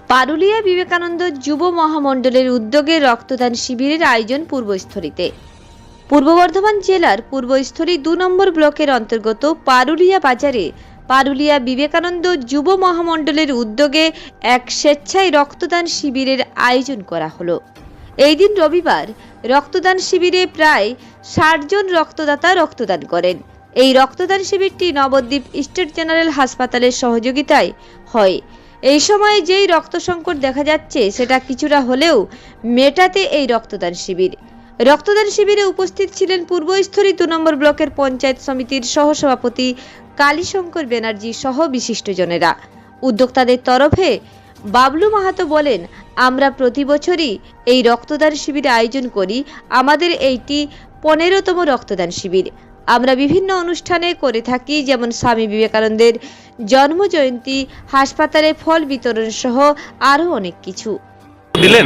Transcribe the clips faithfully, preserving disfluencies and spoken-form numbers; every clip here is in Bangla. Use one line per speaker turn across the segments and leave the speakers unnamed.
পারুলিয়া বিবেকানন্দ যুব মহামণ্ডলের উদ্যোগে রক্তদান শিবিরের আয়োজন পূর্বস্থলীতে। পূর্ব বর্ধমান জেলার পূর্বস্থলী দু নম্বর ব্লকের অন্তর্গত পারুলিয়া বাজারে পারুলিয়া বিবেকানন্দ যুব মহামণ্ডলের উদ্যোগে এক স্বেচ্ছায় রক্তদান শিবিরের আয়োজন করা হলো। এই দিন রবিবার রক্তদান শিবিরে প্রায় ষাট জন রক্তদাতা রক্তদান করেন। এই রক্তদান শিবিরটি নবদ্বীপ স্টেট জেনারেল হাসপাতালের সহযোগিতায় হয়। এই সময়ে যেই রক্ত সংকট দেখা যাচ্ছে সেটা কিছুটা হলেও মেটাতে এই রক্তদান শিবির। রক্তদান শিবিরে উপস্থিত ছিলেন পূর্বস্থলী দু নম্বর ব্লকের পঞ্চায়েত সমিতির সহসভাপতি কালীশঙ্কর ব্যানার্জি সহ বিশিষ্টজনেরা। উদ্যোক্তাদের তরফে বাবলু মাহাতো বলেন, আমরা প্রতি বছরই এই রক্তদান শিবির আয়োজন করি। আমাদের এইটি পনেরোতম রক্তদান শিবির। আমরা বিভিন্ন অনুষ্ঠানে করে থাকি, যেমন স্বামী বিবেকানন্দের জন্ম জয়ন্তী, হাসপাতালে ফল বিতরণ সহ আরো অনেক কিছু।
দিলেন,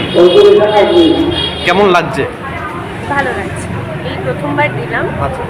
কেমন লাগছে?
ভালো লাগছে, এই প্রথমবার দিলাম।
আচ্ছা,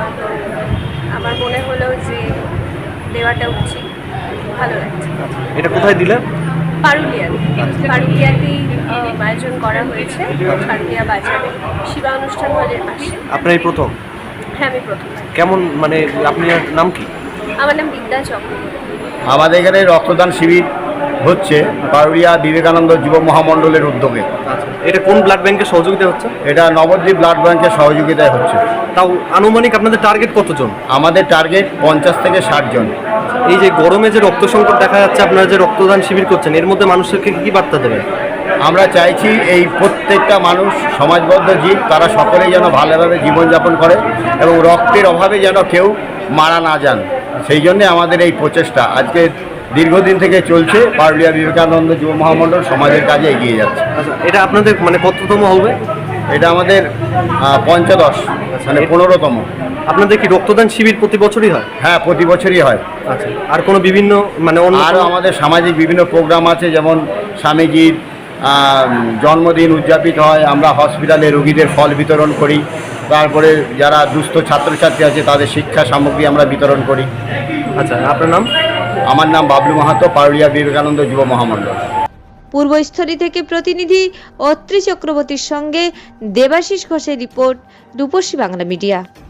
আমার মনে হলো যে দেওয়াটা উচিত, ভালো লাগছে।
এটা কোথায় দিলেন?
পারুলিয়াতে পারুলিয়াতেই আয়োজন করা হয়েছে, পারুলিয়া বাজারে শিবা অনুষ্ঠান হলের পাশে।
আপনার এই প্রথম?
হ্যাঁ, আমি প্রথম।
কেমন, মানে আপনার নাম কি?
আমার নাম বিদ্যা চক্রবর্তী।
আমাদের এখানে রক্তদান শিবির হচ্ছে পারুলিয়া বিবেকানন্দ যুব মহামণ্ডলের উদ্যোগে।
আচ্ছা, এটা কোন ব্লাড ব্যাংকের সহযোগিতা হচ্ছে?
এটা নবদ্বীপ ব্লাড ব্যাংকের সহযোগিতায় হচ্ছে।
তাও আনুমানিক আপনাদের টার্গেট কতজন?
আমাদের টার্গেট পঞ্চাশ থেকে ষাট জন।
এই যে গরমে যে রক্ত সংকট দেখা যাচ্ছে, আপনারা যে রক্তদান শিবির করছেন, এর মধ্যে মানুষকে কি বার্তা দেবেন?
আমরা চাইছি এই প্রত্যেকটা মানুষ সমাজবদ্ধ জীব, তারা সকলেই যেন ভালোভাবে জীবনযাপন করে এবং রক্তের অভাবে যেন কেউ মারা না যান। সেই জন্যে আমাদের এই প্রচেষ্টা আজকে দীর্ঘদিন থেকে চলছে। পারুলিয়া বিবেকানন্দ যুব মহামণ্ডল সমাজের কাজে এগিয়ে যাচ্ছে।
আচ্ছা, এটা আপনাদের মানে কততম হবে?
এটা আমাদের পঞ্চদশ, মানে পনেরোতম।
আপনাদের কি রক্তদান শিবির প্রতি বছরই হয়?
হ্যাঁ, প্রতি বছরই হয়।
আচ্ছা, আর কোনো বিভিন্ন মানে অন্য
আরও আমাদের সামাজিক বিভিন্ন প্রোগ্রাম আছে, যেমন স্বামীজির জন্মদিন উদযাপিত হয়। আমরা হসপিটালে রোগীদের ফল বিতরণ করি। তারপরে যারা দুস্থ ছাত্রছাত্রী আছে তাদের শিক্ষা সামগ্রী আমরা বিতরণ করি।
আচ্ছা, আপনার নাম?
আমার নাম বাবলু মাহাতো, পারুলিয়া বিবেকানন্দ যুব মহামণ্ডল।
পূর্বস্থলী থেকে প্রতিনিধি অত্রি চক্রবর্তীর সঙ্গে দেবাশিস ঘোষের রিপোর্ট, রূপসী বাংলা মিডিয়া।